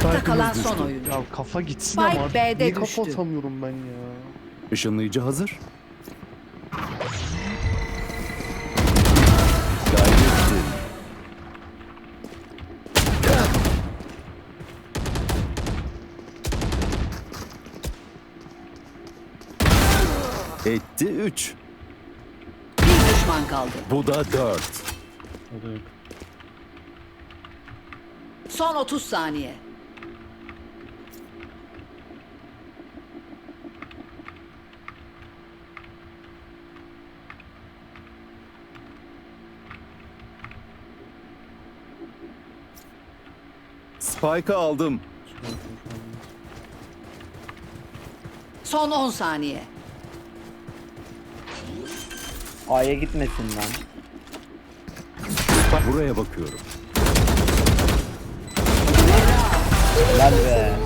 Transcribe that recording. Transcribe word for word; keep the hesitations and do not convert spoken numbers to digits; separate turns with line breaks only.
Ayakta kalan
düştü.
son oyuncu.
Ya kafa gitsin
Spike
ama.
B'de
Niye kafa
düştü.
atamıyorum ben ya?
Işınlayıcı hazır. Gayrettin. Etti üç.
Bir düşman kaldı.
Bu da dört.
O da yok.
Son otuz saniye.
Spike'ı aldım.
Son on saniye.
A'ya gitmesin lan.
Buraya bakıyorum.
Lan be.